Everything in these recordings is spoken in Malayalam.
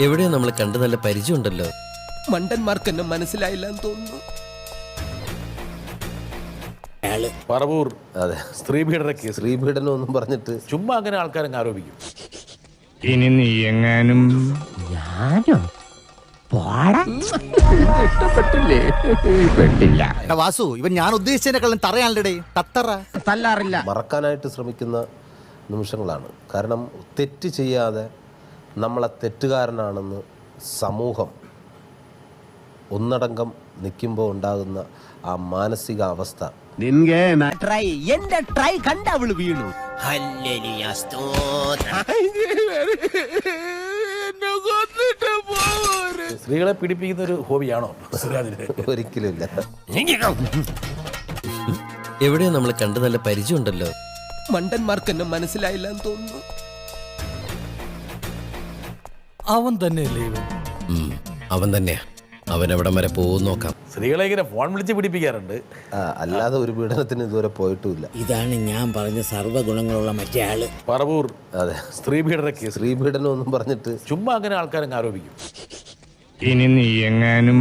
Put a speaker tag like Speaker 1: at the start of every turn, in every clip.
Speaker 1: എവിടെയോ നമ്മൾ കണ്ട് നല്ല പരിചയമുണ്ടല്ലോ.
Speaker 2: മണ്ടന്മാർക്ക് എന്നെ മനസ്സിലായില്ലെന്ന് തോന്നുന്നു.
Speaker 3: പറവൂർ
Speaker 4: അതെ,
Speaker 3: സ്ത്രീപീഡന കേസ്.
Speaker 4: സ്ത്രീപീഡനം ഒന്നും പറഞ്ഞിട്ട്
Speaker 3: ചുമ്മാ അങ്ങനെ ആൾക്കാരങ്ങ് ആരോപിക്കും.
Speaker 5: ഇനി നീ എങ്ങാനും ഇഷ്ടപ്പെട്ടില്ലേ? പെട്ടില്ല.
Speaker 6: വാസു, ഇവൻ ഞാൻ ഉദ്ദേശിച്ചതിനെക്കാളും തറയാണല്ലേ തത്തറ.
Speaker 2: തല്ലാറില്ല.
Speaker 4: മറക്കാനായിട്ട് ശ്രമിക്കുന്ന നിമിഷങ്ങളാണ്. കാരണം തെറ്റ് ചെയ്യാതെ നമ്മളെ തെറ്റുകാരനാണെന്ന് സമൂഹം ഒന്നടങ്കം നിൽക്കുമ്പോൾ ഉണ്ടാകുന്ന ആ മാനസിക അവസ്ഥ.
Speaker 2: എന്റെ ട്രൈ കണ്ട അവള് വീണു.
Speaker 3: സ്ത്രീകളെ പീഡിപ്പിക്കുന്ന ഒരു ഹോബിയാണോ സുരാജിന്?
Speaker 4: ഒരിക്കലുമില്ല.
Speaker 1: എവിടെയോ നമ്മൾ കണ്ട് നല്ല പരിചയമുണ്ടല്ലോ.
Speaker 2: മണ്ടന്മാർക്ക് എന്നെ മനസ്സിലായില്ലെന്ന് തോന്നുന്നു.
Speaker 7: അവൻ തന്നെയല്ലേ ഇവൻ?
Speaker 1: അവൻ തന്നെയാ. അവൻ എവിടം വരെ പോകും നോക്കാം.
Speaker 3: സ്ത്രീകളെ ഇങ്ങനെ ഫോൺ വിളിച്ച് പീഡിപ്പിക്കാറുണ്ട്.
Speaker 4: അല്ലാതെ ഒരു പീഡനത്തിന് ഇതുവരെ പോയിട്ടുമില്ല.
Speaker 8: ഇതാണ് ഞാൻ പറഞ്ഞ സർവ്വഗുണങ്ങളുള്ള മറ്റേ ആള്.
Speaker 4: പറവൂർ അതെ,
Speaker 3: സ്ത്രീപീഡന കേസ്.
Speaker 4: സ്ത്രീപീഡനം ഒന്നും പറഞ്ഞിട്ട്
Speaker 3: ചുമ്മാ അങ്ങനെ ആൾക്കാരങ്ങ് ആരോപിക്കും.
Speaker 5: ഇനി നീ എങ്ങാനും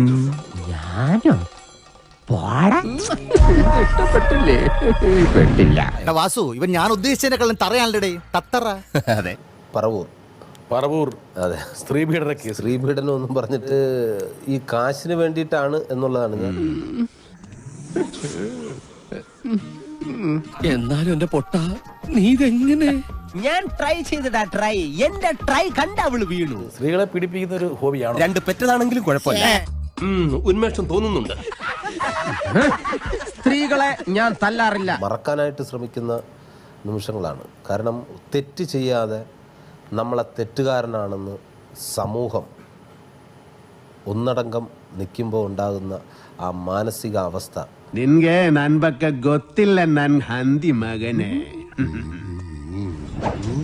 Speaker 5: ഇഷ്ടപ്പെട്ടില്ലേ? പെട്ടില്ല.
Speaker 6: വാസു, ഇവൻ ഞാൻ ഉദ്ദേശിച്ചതിനെക്കാളും തറയാണല്ലേ തത്തറ.
Speaker 7: അതെ,
Speaker 3: പറവൂർ
Speaker 4: അതെ,
Speaker 3: സ്ത്രീപീഡന കേസ്.
Speaker 4: സ്ത്രീപീഡനം ഒന്നും പറഞ്ഞിട്ട് ഈ കാശിന് വേണ്ടിയിട്ടാണ് എന്നുള്ളതാണ് ഞാൻ.
Speaker 7: എന്നാലും എന്റെ പൊട്ട നീ ഇതെങ്ങനെ?
Speaker 2: ഞാൻ ട്രൈ ചെയ്തിടാ ട്രൈ. എന്റെ ട്രൈ കണ്ട അവള് വീണു.
Speaker 3: സ്ത്രീകളെ പീഡിപ്പിക്കുന്ന ഒരു ഹോബിയാണോ?
Speaker 2: രണ്ട് പെറ്റതാണെങ്കിലും കുഴപ്പമില്ല.
Speaker 7: ഉന്മേഷം തോന്നുന്നുണ്ട്.
Speaker 2: സ്ത്രീകളെ ഞാൻ തല്ലാറില്ല.
Speaker 4: മറക്കാനായിട്ട് ശ്രമിക്കുന്ന നിമിഷങ്ങളാണ്. കാരണം തെറ്റ് ചെയ്യാതെ നമ്മളെ തെറ്റുകാരനാണെന്ന് സമൂഹം ഒന്നടങ്കം നിൽക്കുമ്പോൾ ഉണ്ടാകുന്ന ആ മാനസിക അവസ്ഥ.
Speaker 5: നിൻಗೆ ನನ್ ಬಗ್ಗೆ ಗೊತ್ತಿಲ್ಲ ನನ್ ಹಂದಿ ಮಗನೇ.